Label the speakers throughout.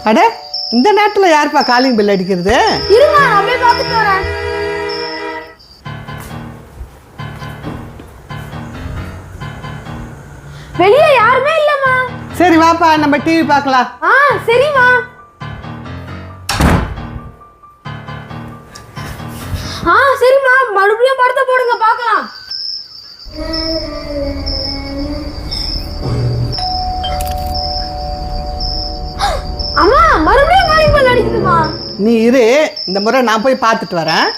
Speaker 1: அட இந்த நேரத்துல யாருப்பா காலிங் பெல் அடிக்கிறது?
Speaker 2: இருங்க நான் போய் பார்த்துட்டு வரேன். வெளிய யாருமே இல்லம்மா.
Speaker 1: சரி வாப்பா நம்ம டிவி பார்க்கலாம்.
Speaker 2: சரிம்மா. சரிம்மா மறுபடியும் படத்தை போடுங்க பார்க்கலாம். அம்மா மறுபடியும் காலிங் பெல் அடிக்குதுமா.
Speaker 1: நீ இரு, இந்த முறை நான் போய் பார்த்துட்டு வரேன்.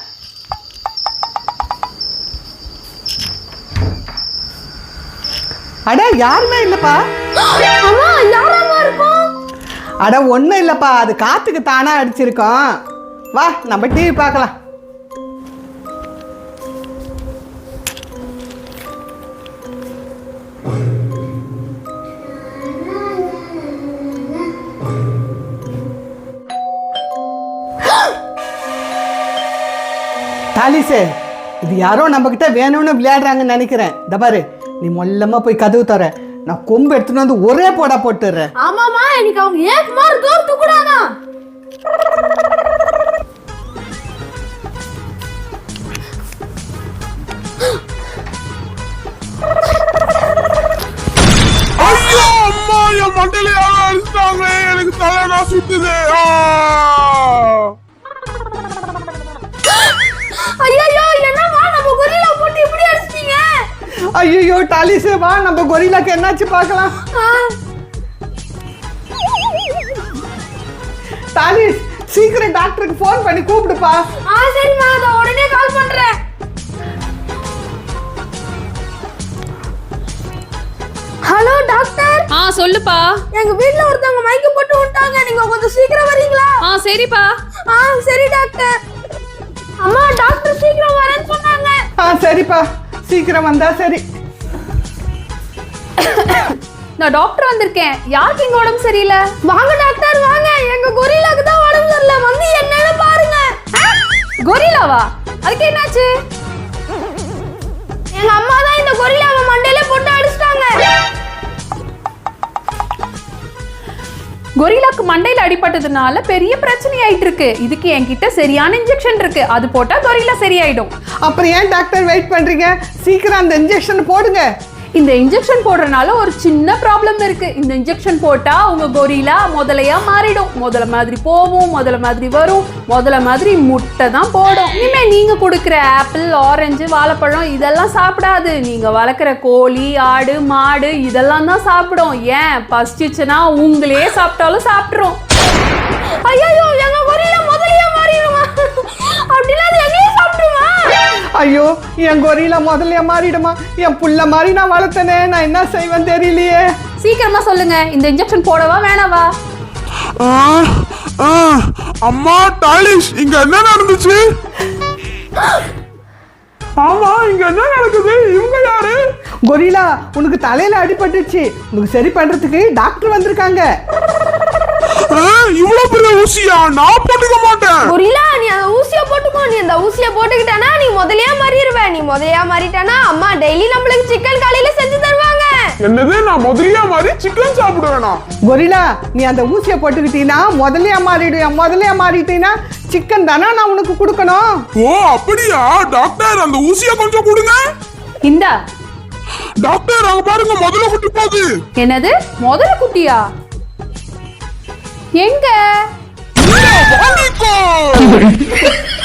Speaker 1: அட யாருமே இல்லப்பா.
Speaker 2: அம்மா யாரம்மா இருக்கும்?
Speaker 1: அட ஒன்றும் இல்லப்பா, அது காத்துக்கு தானா அடிச்சிருக்கோம். வா நம்ம டிவி பார்க்கலாம். தாலிசே, இது யாரோ நம்ம கிட்ட வேணும்னு விளையாடுறாங்கன்னு நினைக்கிறேன். இந்த பாரு, நீ மொல்லமா போய் கதவு தர, நான் கொம்பு எடுத்துட்டு வந்து ஒரே போடா போட்டுறேன்.
Speaker 2: ஆமாமா, எனக்கு அவங்க ஏக் மார் தோத்து கூடாதா.
Speaker 3: ஐயோ அம்மா, என் மண்டையில யாரோ அடிச்சிட்டாங்க. எனக்கு தலைனா சுத்துது.
Speaker 2: ஐயோ என்னமா நம்ம கொரில்லா போட்டு இப்படி அடிச்சிட்டீங்க?
Speaker 1: ஐயோ டாலிசே, வா நம்ம கொரில்லாக்கு என்னாச்சு பார்க்கலாம். டாலிஸ், சீக்கிரம் டாக்டருக்கு ஃபோன் பண்ணி கூப்பிடுப்பா.
Speaker 2: சரிம்மா, நான் உடனே கால் பண்றேன். Hello doctor.
Speaker 4: சொல்லுப்பா.
Speaker 2: எங்க வீட்ல ஒருத்தவங்க மயக்கம் போட்டு விட்டாங்க, நீங்க கொஞ்சம் சீக்கிரம் வரீங்களா?
Speaker 4: சரிப்பா.
Speaker 2: சரி டாக்டர். அம்மா டாக்டர் சீக்கிரம் வரேன்னு சொன்னாங்க.
Speaker 1: சரிப்பா, சீக்கிரம் வந்தா சரி.
Speaker 4: நான் டாக்டர் வந்திருக்கேன். யாருக்கு இங்க உடம்பு சரியில்லை?
Speaker 2: வாங்க டாக்டர் வாங்க, எங்க கொரில்லாக்கு தான் உடம்பு சரியில்லை, வந்து என்னன்னு பாருங்க.
Speaker 4: கொரில்லாவா? அதுக்கு என்னாச்சு?
Speaker 2: எங்க அம்மா தான் இந்த கொரில்லாவை மண்டையில போட்டு அடிச்சிட்டாங்க.
Speaker 4: கொரில்லாக்கு மண்டையில அடிபட்டதுனால பெரிய பிரச்சனை ஆயிட்டு இருக்கு. இதுக்கு என்கிட்ட சரியான இன்ஜெக்ஷன் இருக்கு, அது போட்டா கொரில்லா சரியாயிடும்.
Speaker 1: அப்புறம் ஏன் டாக்டர் வெயிட் பண்றீங்க? சீக்கிரம் அந்த இன்ஜெக்ஷன் போடுங்க.
Speaker 4: இந்த இன்ஜெக்ஷன் போடுறதுனால ஒரு சின்ன ப்ராப்ளம் இருக்கு. இந்த இன்ஜெக்ஷன் போட்டா உங்க கொரில்லா முதலையா மாறிடும். முதல்ல மாதிரி போகும், முதல்ல மாதிரி வரும், முதல்ல மாதிரி முட்டை தான் போடும். இனிமே நீங்க கொடுக்குற ஆப்பிள், ஆரஞ்சு, வாழைப்பழம் இதெல்லாம் சாப்பிடாது. நீங்க வளர்க்குற கோழி, ஆடு, மாடு இதெல்லாம் தான் சாப்பிடும். ஏன் பசிச்சுன்னா உங்களே சாப்பிட்டாலும் சாப்பிட்ரும்.
Speaker 2: ஐயோ எங்க கொரில்லா முதலையா மாறிடுமா? அப்படிலாம் எங்கேயே சாப்பிடுமா?
Speaker 1: ஐயோ, என் கொரில்லா முதல்ல மாறிடுமா? என் புள்ள மாதிரி நான் வளர்த்தனே, நான் என்ன செய்வேன் தெரியலையே.
Speaker 4: சீக்கிரமா சொல்லுங்க, இந்த இன்ஜெக்ஷன் போடவா வேணாவா?
Speaker 3: அம்மா டாலிஷ், இங்க என்ன நடந்துச்சு? ஆமா, இங்க என்ன நடக்குது? இவங்க யாரு?
Speaker 1: கொரில்லா, உனக்கு தலையில அடிபட்டுச்சு, உனக்கு சரி பண்றதுக்கு டாக்டர் வந்திருக்காங்க.
Speaker 3: இவ்வளவு பெரிய ஊசியா? நான் போட்டுக்க மாட்டேன்.
Speaker 2: கொரில்லா, நீ அந்த ஊசியை போட்டுக்கோ. நீ அந்த ஊசியை போட்டுக்கிட்டானா நீ முதலையா மாறிடுவ. நீ முதலையா மாறிட்டானா அம்மா டெய்லி நம்மளுக்கு சிக்கன் காலையில செஞ்சு தருவாங்க.
Speaker 3: என்னது, நான் முதலியா மாதிரி சிக்கன் சாப்பிடுவேனா?
Speaker 1: கொரில்லா, நீ அந்த ஊசியை போட்டுக்கிட்டீங்கன்னா முதலையா மாறிடுவேன். முதலையா மாறிட்டீங்கன்னா சிக்கன் தானே நான் உனக்கு கொடுக்கணும்.
Speaker 3: ஓ அப்படியா? டாக்டர், அந்த ஊசியை கொஞ்சம் கொடுங்க.
Speaker 4: இந்தா
Speaker 3: டாக்டர், அங்க பாருங்க, முதல்ல குட்டி போகுது.
Speaker 4: என்னது, முதல்ல குட்டியா? எங்க?
Speaker 3: வாங்கிக்கோ.